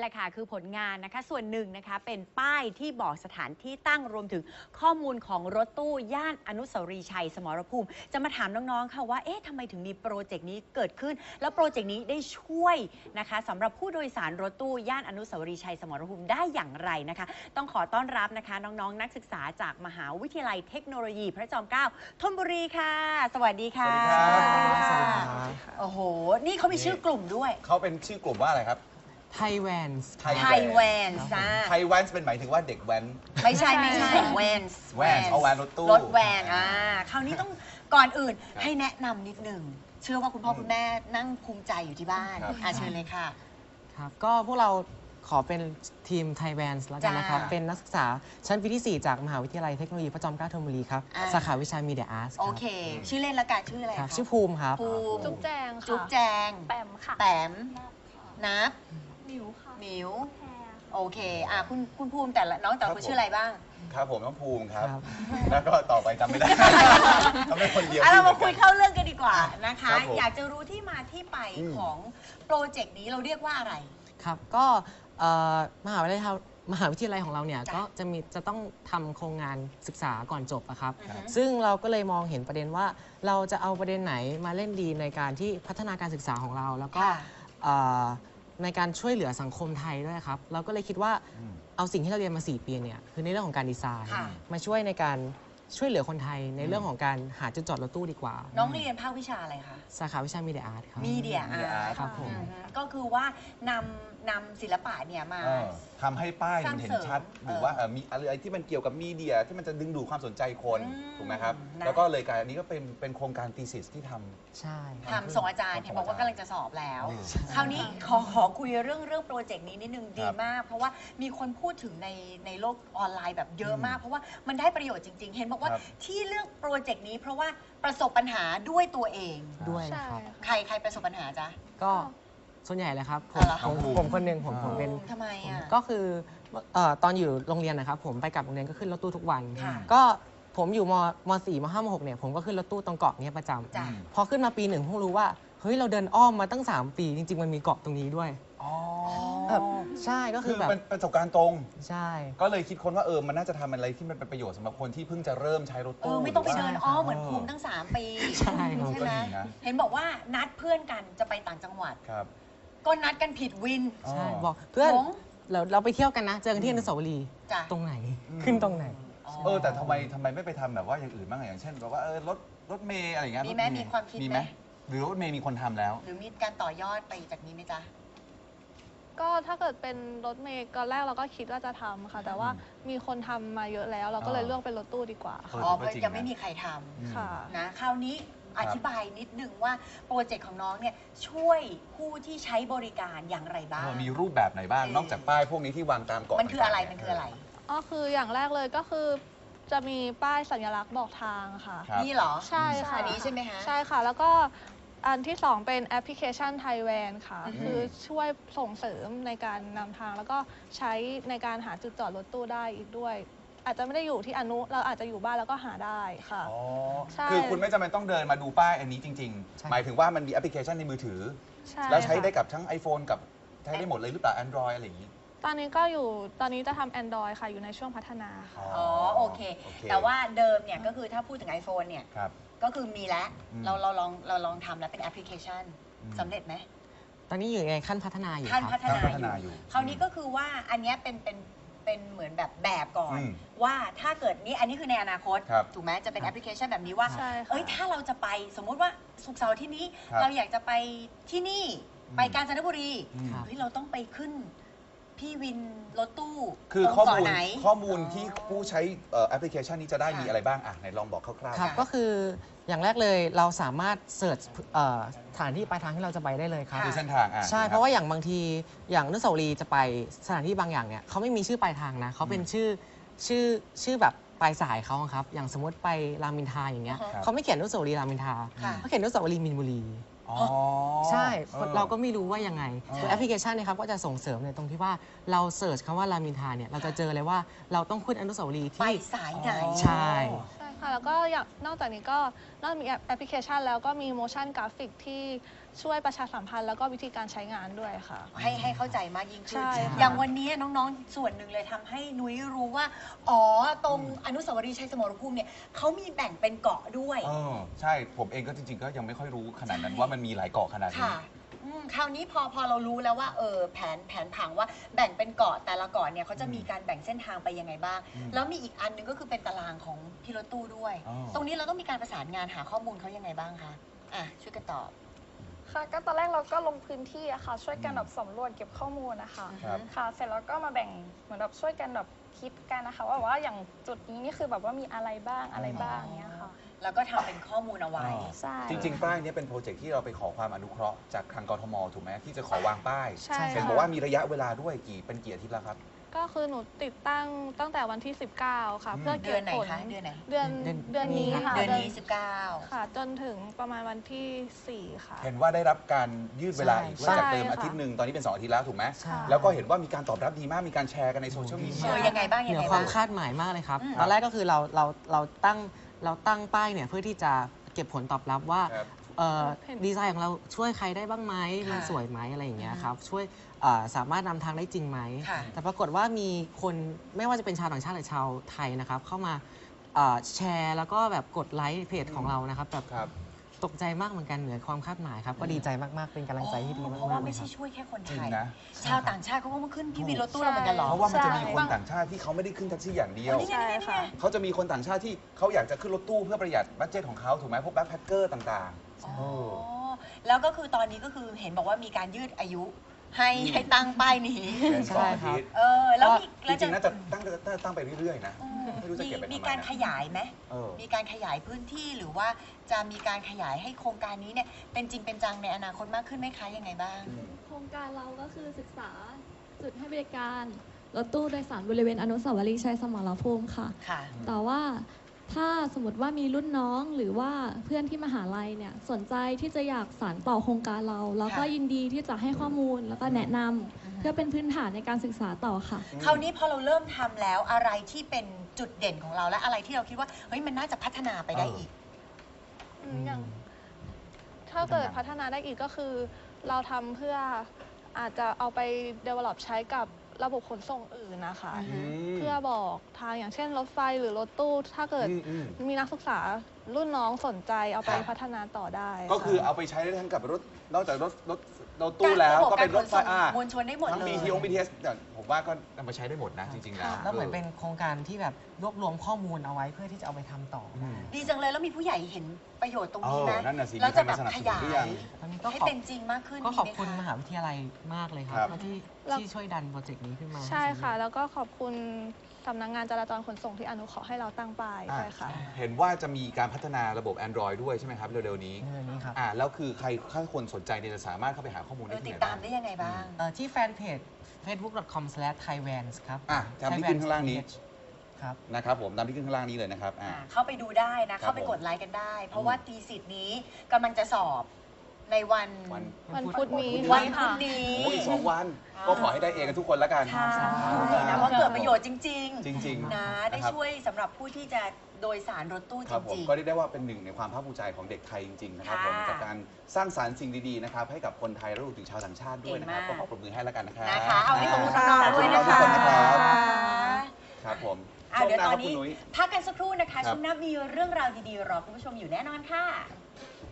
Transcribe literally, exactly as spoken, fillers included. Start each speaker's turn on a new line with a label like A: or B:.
A: แหละค่ะคือผลงานนะคะส่วนหนึ่งนะคะเป็นป้ายที่บอกสถานที่ตั้งรวมถึงข้อมูลของรถตู้ย่านอนุสาวรีย์ชัยสมรภูมิจะมาถามน้องๆค่ะว่าเอ๊ะทำไมถึงมีโปรเจกต์นี้เกิดขึ้นแล้วโปรเจกต์นี้ได้ช่วยนะคะสำหรับผู้โดยสารรถตู้ย่านอนุสาวรีย์ชัยสมรภูมิได้อย่างไรนะคะต้องขอต้อนรับนะคะน้องๆนักศึกษาจากมหาวิทยาลัยเทคโนโลยีพระจอมเกล้าธนบุรีค่ะสวัสดีค่ะสวัสดีค่ะโอ้โหนี่เขามีชื่อกลุ่มด้วย
B: เขาเป็นชื่อกลุ่มว่าอะไรครับ
C: ไทยแวนส์
A: ไทยแวนส์
B: ไทยแวนส์เป็นหมายถึงว่าเด็กแว้น
A: ไม่ใช่ไม่ใช่แวนส์
B: แวนส์เอาแวนรถตู้
A: รถแวนอ่าคราวนี้ต้องก่อนอื่นให้แนะนำนิดหนึ่งเชื่อว่าคุณพ่อคุณแม่นั่งภูมิใจอยู่ที่บ้านอ่าเชิญเลยค่ะ
C: ครับก็พวกเราขอเป็นทีมไทยแวนส์แล้วกันนะครับเป็นนักศึกษาชั้นปีที่สี่จากมหาวิทยาลัยเทคโนโลยีพระจอมเกล้าธนบุรีครับสาขาวิชามีเดียอาร์ต
A: โอเคชื่อเล่นละกันชื่ออะไรคะ
C: ชื่อภูมิครับ
A: ภูมิ
D: จุ๊บแจงค่ะ
A: จุ๊บแจง
D: แปมค่ะ
A: แปมนับ
D: หมิวค่ะ
A: หมิวโอเคอ่ะคุณคุณภูมิแต่ละน้องแต่ละคนชื่ออะไรบ้าง
B: ครับผมน้องภูมิครับแล้วก็ต่อไปจำไม่ได้ทำให้คนเดียว
A: เรามาคุยเข้าเรื่องกันดีกว่านะคะอยากจะรู้ที่มาที่ไปของโปรเจกต์นี้เราเรียกว่าอะไร
C: ครับก็มหาวิทยาลัยมหาวิทยาลัยของเราเนี่ยก็จะมีจะต้องทำโครงงานศึกษาก่อนจบอะครับซึ่งเราก็เลยมองเห็นประเด็นว่าเราจะเอาประเด็นไหนมาเล่นดีในการที่พัฒนาการศึกษาของเราแล้วก็ในการช่วยเหลือสังคมไทยด้วยครับเราก็เลยคิดว่าเอาสิ่งที่เราเรียนมาสี่ปีเนี่ยคือในเรื่องของการดีไซน์มาช่วยในการช่วยเหลือคนไทยในเรื่องของการหาจุดจอดรถตู้ดีกว่า
A: น้องเรียนภาควิชาอะไรคะ
C: สาขาวิชามีเดียอาร์ตครับ
A: มีเดียอาร์ต
C: ครับผม
A: ก็คือว่านำนำศิลปะเนี่ยมา
B: ทำให้ป้ายมันเห็นชัดหรือว่ามีอะไรที่มันเกี่ยวกับมีเดียที่มันจะดึงดูดความสนใจคนถูกไหมครับแล้วก็เลยการอันนี้ก็เป็นเป็นโครงการธีสิสที่ทำ
C: ใช่
A: ทำส่งอาจารย์เห็นบอกว่ากำลังจะสอบแล้วคราวนี้ขอขอคุยเรื่องเรื่องโปรเจกต์นี้นิดนึงดีมากเพราะว่ามีคนพูดถึงในในโลกออนไลน์แบบเยอะมากเพราะว่ามันได้ประโยชน์จริงๆเห็นบอกว่าที่เลือกโปรเจกต์นี้เพราะว่าประสบปัญหาด้วยตัวเอง
C: ด้วยครับ
A: ใครใครประสบปัญหาจ๊ะ
C: ก็ส่วนใหญ่เลยครับผมผมคนหนึ่งผมผมเป็น
A: ทำไมอ่ะ
C: ก็คือตอนอยู่โรงเรียนนะครับผมไปกลับโรงเรียนก็ขึ้นรถตู้ทุกวันก็ผมอยู่มมสี่มห้ามหกเนี่ยผมก็ขึ้นรถตู้ตรงเกาะนี้ประจำพอขึ้นมาปีหนึ่งเพิ่งรู้ว่าเฮ้ยเราเดินอ้อมมาตั้งสามปีจริงๆมันมีเกาะตรงนี้ด้วยใช่ก็คือแบบ
B: เป็นประสบการณ์ตรง
C: ใช่
B: ก็เลยคิดค้นว่าเออมันน่าจะทำอะไรที่มันเป็นประโยชน์สำหรับคนที่เพิ่งจะเริ่มใช้รถตู้
A: ไม่ต้องไปเดินอ้อมเหมือนภูมิตั้งสามปี
C: ใช่
A: ใช่ไหมเห็นบอกว่านัดเพื่อนกันจะไปต่างจังหวัด
B: ครับ
A: ก็นัดกันผิดวิน
C: ใช่บอกเพื่อนเราเราไปเที่ยวกันนะเจอกันที่อนุสาวรีย์ตรงไหนขึ้นตรงไหน
B: เออแต่ทำไมทำไมไม่ไปทำแบบว่าอย่างอื่นบ้างอย่างเช่นแบบว่าเออรถรถเมย์อะไรอย่างเงี้ย
A: มีไหมมีความคิดไหม
B: หรือรถเมย์มีคนทำแล้ว
A: หรือมีการต่อยอดไปจากนี้ไหมจ๊ะ
D: ก็ถ้าเกิดเป็นรถเมย์ตอนแรกเราก็คิดว่าจะทำค่ะแต่ว่ามีคนทำมาเยอะแล้วเราก็เลยเลือกเป็นรถตู้ดีกว่า
A: อ๋อเพราะยังไม่มีใครทำ
D: ค่ะ
A: นะคราวนี้อธิบายนิดนึงว่าโปรเจกต์ของน้องเนี่ยช่วยผู้ที่ใช้บริการอย่างไรบ้าง
B: มีรูปแบบไหนบ้างนอกจากป้ายพวกนี้ที่วางตามเกาะ
A: มันคืออะไรมันคืออะไร
D: อ๋อคืออย่างแรกเลยก็คือจะมีป้ายสัญลักษณ์บอกทางค่ะ
A: นี่เหรอ
D: ใช่ค่ะ
A: อันนี้ใช่ไหมคะ
D: ใช่ค่ะแล้วก็อันที่สองเป็นแอปพลิเคชันไทยแวนค่ะคือช่วยส่งเสริมในการนำทางแล้วก็ใช้ในการหาจุดจอดรถตู้ได้อีกด้วยอาจจะไม่ได้อยู่ที่อนุเราอาจจะอยู่บ้านแล้วก็หาได้ค่ะ
B: อ๋อคือคุณไม่จำเป็นต้องเดินมาดูป้ายอันนี้จริงๆหมายถึงว่ามันมีแอปพลิเคชันในมือถือแล้วใช้ได้กับทั้ง iPhone กับใช้ได้หมดเลยหรือเปล่า Android อะไรอย่างนี้
D: ตอนนี้ก็อยู่ตอนนี้จะทำ Android ค่ะอยู่ในช่วงพัฒนา
A: ค่ะอ๋อโอเคแต่ว่าเดิมเนี่ยก็คือถ้าพูดถึง iPhone เนี่ยก็คือมีแล้วเราเราลองเราลองทำแล้วเป็นแอปพลิเคชันสำเร็จไหม
C: ตอนนี้อยู่ในขั้นพัฒนาอยู่
A: ขั้นพัฒนาอยู่คราวนี้ก็คือว่าอันนี้เป็นเป็นเป็นเหมือนแบบแบบก่อนว่าถ้าเกิดนี้อันนี้คือในอนาคตถูกไหมจะเป็นแอปพลิเคชันแบบนี้ว่าเอ้ยถ้าเราจะไปสมมุติว่าศุกร์เสาร์ที่นี้เราอยากจะไปที่นี่ไปกาญจนบุรีเฮ้ยเราต้องไปขึ้นพี่วินรถตู้
B: คือข้อมูลข้อมูลที่ผู้ใช้แอปพลิเคชันนี้จะได้มีอะไรบ้างอ่ะไหนลองบอกคร่าว
C: ๆครับก็คืออย่างแรกเลยเราสามารถเสิร์ชสถานที่ปลายทางที่เราจะไปได้เลยครับ
B: คือเส้นทาง
C: ใช่เพราะว่าอย่างบางทีอย่างอนุสาวรีย์จะไปสถานที่บางอย่างเนี่ยเขาไม่มีชื่อปลายทางนะเขาเป็นชื่อชื่อชื่อแบบปลายสายเขาครับอย่างสมมติไปรามอินทราอย่างเงี้ยเขาไม่เขียนอนุสาวรีย์รามอินทราเขาเขียนอนุสาวรีย์มินบุรีใช่เราก็ไม่รู้ว่ายังไงตัวแอปพลิเคชันนะครับก็จะส่งเสริมในตรงที่ว่าเราเสิร์ชคำว่ารามินทาเนี่ยเราจะเจอเลยว่าเราต้องขึ้นอนุสาวรีย์ที่
A: ไปสายไหน
C: ใช่
D: ใช่ค่ะแล้วก็อย่างนอกจากนี้ก็นอกจากมีแอปพลิเคชันแล้วก็มี motion graphic ที่ช่วยประชาสัมพันธ์แล้วก็วิธีการใช้งานด้วยค่ะ
A: ให้ให้เข้าใจมากยิ่งขึ้น
D: ใช่ค่ะ
A: อย่างวันนี้น้องๆ ส่วนหนึ่งเลยทำให้นุ้ยรู้ว่า อ๋อ ตรงอนุสาวรีย์ชัยสมรภูมิเนี่ยเขามีแบ่งเป็นเกาะด้วย
B: เออใช่ผมเองก็จริง ๆ ก็ยังไม่ค่อยรู้ขนาดนั้น
A: ใช่
B: ว่ามันมีหลายเกาะขนาดนี้
A: ค่ะอืมคราวนี้พอพอเรารู้แล้วว่าเออแผนแผนผังว่าแบ่งเป็นเกาะแต่ละเกาะเนี่ยเขาจะมีการแบ่งเส้นทางไปยังไงบ้าง
B: อืม
A: แล้วมีอีกอันหนึงก็คือเป็นตารางของพี่รถตู้ด้วย
B: อ๋อ
A: ตรงนี้เราต้องมีการประสานงานหาข้อมูลเขายังไงบ้างคะอ่ะช่วยกันตอบ
E: ค่ะก็ตอนแรกเราก็ลงพื้นที่อะค่ะช่วยกันแบบสำรวจเก็บข้อมูลนะคะ
B: ครับ
E: ค่ะเสร็จแล้วก็มาแบ่งเหมือนแบบช่วยกันแบบคิดกันนะคะว่าว่าอย่างจุดนี้นี่คือแบบว่ามีอะไรบ้างอะไรบ้างเนี้ยค่ะ
A: แล้วก็ทำเป็นข้อมูลเอาไว้
B: อ๋อ
E: ใช่
B: จริง ๆ ป้ายเนี้เป็นโปรเจกต์ที่เราไปขอความอนุเคราะห์จากทางกทมถูกไหมที่จะขอวางป้าย
D: ใช่
B: เห็น
D: ค่ะ
B: บอกว่ามีระยะเวลาด้วยกี่เป็นกี่อาทิตย์แล้วครับ
D: ก็คือหนูติดตั้งตั้งแต่วันที่ สิบเก้า ค่ะ
B: อืม
D: เพื่อ
A: เดื
D: เก็
A: อบ นไหน
D: ผล
A: คะเดือนไหน
D: เดือน
C: เดือน
D: เดือนนี้ค่ะ
A: เดือนนี้สิบเก้า
D: ค่ะ จนถึงประมาณวันที่สี่ค่ะ
B: เห็นว่าได้รับการยืดเวลาอีกด้วย
D: ใช่
B: จากเดิม
D: ค่ะ
B: อาทิตย์หนึ่งตอนนี้เป็นสองอาทิตย์แล้วถูกไหม
C: ใช่
B: แล้วก็เห็นว่ามีการตอบรับดีมากมีการแชร์กันในโซเชียลมีเดี
A: เอย อยังไงบ้าง
C: เห
A: ยัง
C: นือ
A: ไง
C: ควา
A: บ้าม ง
C: คาดหมายมากเลยครับ
A: อืม
C: ตอนแรกก็คือเราเราเราตั้งเราตั้งป้ายเนี่ยเพื่อที่จะเก็บผลตอบรับว่า
B: ครับ
C: เอ่อ
D: เห็น
C: ดีไซน์ของเราช่วยใครได้บ้างไหม
A: ค่ะ
C: มันสวยไหมอะไรอย่างเงี้ยครับช่วยเอ่อสามารถนำทางได้จริงไหม
A: ค่ะ
C: แต่ปรากฏว่ามีคนไม่ว่าจะเป็นชาวต่างชาติหรือชาวไทยนะครับเข้ามาเอ่อแชร์แล้วก็แบบกดไลค์เพจของเรานะครับแบบ
B: ครับ
C: ตกใจมากเหมือนกันเหนือความคาดหมายครับก็ดีใจมากๆเป็นกำลังใจที่ดีมาก
A: เพราะว่า
C: ๆเล
A: ไม่
C: ยค
A: ใช่
C: รับ
A: ช่วยแค่คน
B: จริ
A: ไท
B: ง
A: ย
B: นะ
A: ชาวต่างชาติเขาก็มาขึ้นพี่วินรถตู้เราเหมือนกันเหรอ
B: เพราะว่ามันจะมี
D: ใช่
B: คนต่างชาติที่เขาไม่ได้ขึ้นแท็กซี่อย่างเดียว
A: นี่ไง
D: ใช่
A: นี่ไง
D: ค่ะ
B: เขาจะมีคนต่างชาติที่เขาอยากจะขึ้นรถตู้เพื่อประหยัดบัตเจตของเขาถูกไหมพวกแบ็คแพคเกอร์ต่าง
A: อ๋อ
B: ๆโอ้
A: แล้วก็คือตอนนี้ก็คือเห็นบอกว่ามีการยืดอายุให้ให้ตั้งป้ายนี้
B: เป็นสองอาทิตย์
A: เออ แล้วมี
B: จ
A: แล้ว
B: ริงๆน่าจะตั้งตั้งตั้งไปเรื่อยๆนะ
A: อืม
B: ไม่รู้จะ
A: มี
B: เก็บไปทำไม
A: มีการ
B: นะ
A: ขยายไหม
B: เออ
A: มีการขยายพื้นที่หรือว่าจะมีการขยายให้โครงการนี้เนี่ยเป็นจริงเป็นจังในอนาคตมากขึ้นไหมคะยังไงบ้าง
B: อืม
F: โครงการเราก็คือศึกษาจุดให้บริการรถตู้โดยสารบริเวณอนุสาวรีย์ชัยสมรภูมิค่ะ
A: ค่ะ
F: แต่ว่าถ้าสมมติว่ามีรุ่นน้องหรือว่าเพื่อนที่มหาลัยเนี่ยสนใจที่จะอยากสานต่อโครงการเราเราก็
A: ค่ะ
F: ยินดีที่จะให้ข้อมูลแล้วก็แนะนำเพื่อเป็นพื้นฐานในการศึกษาต่อค่ะ
A: คราวนี้พอเราเริ่มทำแล้วอะไรที่เป็นจุดเด่นของเราและอะไรที่เราคิดว่าเฮ้ยมันน่าจะพัฒนาไปได้อีก
D: อืมอย่างถ้าเกิดพัฒนาได้อีกก็คือ เราทำเพื่ออาจจะเอาไป develop ใช้กับระบบขนส่งอื่นนะคะ
A: อืม
D: เพื่อบอกทางอย่างเช่นรถไฟหรือรถตู้ ถ้าเกิด
B: อืมอืม
D: มีนักศึกษารุ่นน้องสนใจเอาไป
B: ครับ
D: พัฒนาต่อได้
B: ก็คือ
D: ค่ะ
B: เอาไปใช้ได้ทั้งกับรถนอกจากรถรถรถตู้แล้วก็เป็นรถไฟอ่ะ
A: มวลชนได้หมด
B: ทั้ง
A: เล
B: บี
A: ย
B: ทีองบีทีเอสผมว่าก็นำไปใช้ได้หมดนะจริงๆแล้ว
A: ค่ะ
C: แล้วเหมือนเป็นโครงการที่แบบรวบรวมข้อมูลเอาไว้เพื่อที่จะเอาไปทำต่อ
B: อื
C: ได้
B: ม
A: ดีจังเลยแล้วมีผู้ใหญ่เห็นประโยชน์ตรงนี้ไหม
B: เออนั่นน่ะสิ
A: แล้วจะแบบ
B: มีใครมาสนับ
A: ข
B: สนุน
A: ยา
B: หรือยั
A: ย
B: ง
C: ตอนนี้ก็
A: ให้
C: ขอบ
A: เป็นจริงมากขึ้น
C: ก็ขอบ
A: ดีไห
C: คุณ
A: ะ
C: มหาวิทยาลัยมากเลยครั
B: ครับ บ
C: ที่
D: แล้ว
C: ที่ช่วยดันโปรเจกต์นี้ขึ้นมา
D: ใช่ค่ะ แล้วก็ขอบคุณสำนักงานจราจรขนส่งที่อนุเคราะห์ให้เราตั้งป้าย
B: อ่ะ
D: ด้วยค่ะ
B: เห็นว่าจะมีการพัฒนาระบบ Android ด้วยใช่ไหมครับ เร็วๆนี้
C: ในเรื่องนี้ครับ
B: อ่าแล้วคือใครถ้าคนสนใจเนี่ยจะสามารถเข้าไปหาข้อมูล
A: เอ
B: ได้
A: อ
B: ที่
A: ติด
B: ไหน
A: ตา
B: บ้าม ง
A: ได้ยังไงบ้าง
C: เอ่อที่แฟนเพจ เฟซบุ๊ก ดอท คอม สแลช ไทยแวนส์ ครับ
B: อ่ะตามที่ขึ้นข้างล่างนี้
C: ครับ
B: นะครับผมตามที่ขึ้นข้างล่างนี้เลยนะครับอ่า
A: อ่าเข้าไปดูได้นะ
B: ครับ
A: เข้าไป
B: ผม
A: กดไลค์กันได้ เพราะว่าตีสิทธิ์นี้กำลังจะสอบในวัน
B: วัน
D: วันพุธนี้
A: วันพุธ
D: ค่ะ
A: นี้
B: โอ้ยอีกสองวัน
A: อ่า
B: ก็ขอให้ได้เองกันทุกคนแล้วกัน
A: ใช่
B: อ่า
A: นะเพราะเกิดประโยชน์จริง
B: จริง
A: ๆ นะ ได้
B: นะครับ
A: ช่วยสำหรับผู้ที่จะโดยสารรถตู้
B: ค
A: จ
B: รับผม
A: ริง
B: ก็เรียกได้ว่าเป็นหนึ่งในความภาคภูมิใจของเด็กไทยจริงๆนะครับ
A: ค่ะ
B: ผมจากการสร้างสรรค์สิ่งดีๆนะครับให้กับคนไทยและรวมถึงชาวต่างชาติด้วยนะครับ
A: เก่
B: ก็
A: ง
B: ข
A: มาก
B: อปรบมือให้แล้วกันนะครับ
A: ๆ นะคะ เอาที่ของน้
B: ข
A: อง
B: อบ
A: ๆ
B: คุ
A: ด้วย
B: ณน้
A: นะ
B: องๆทุก
A: คะ
B: คนนะครับครับผม
A: อ่ะ
B: ช่วง
A: เดี๋ยว
B: หน้า
A: ตอ
B: คน รับ
A: นี้
B: คุณนุ้ย
A: พักกันสักครู่นะคะ
B: ครับ
A: ช่วงหน้ามีเรื่องราวดีๆ รอคุณผู้ชมอยู่แน่นอนค่ะ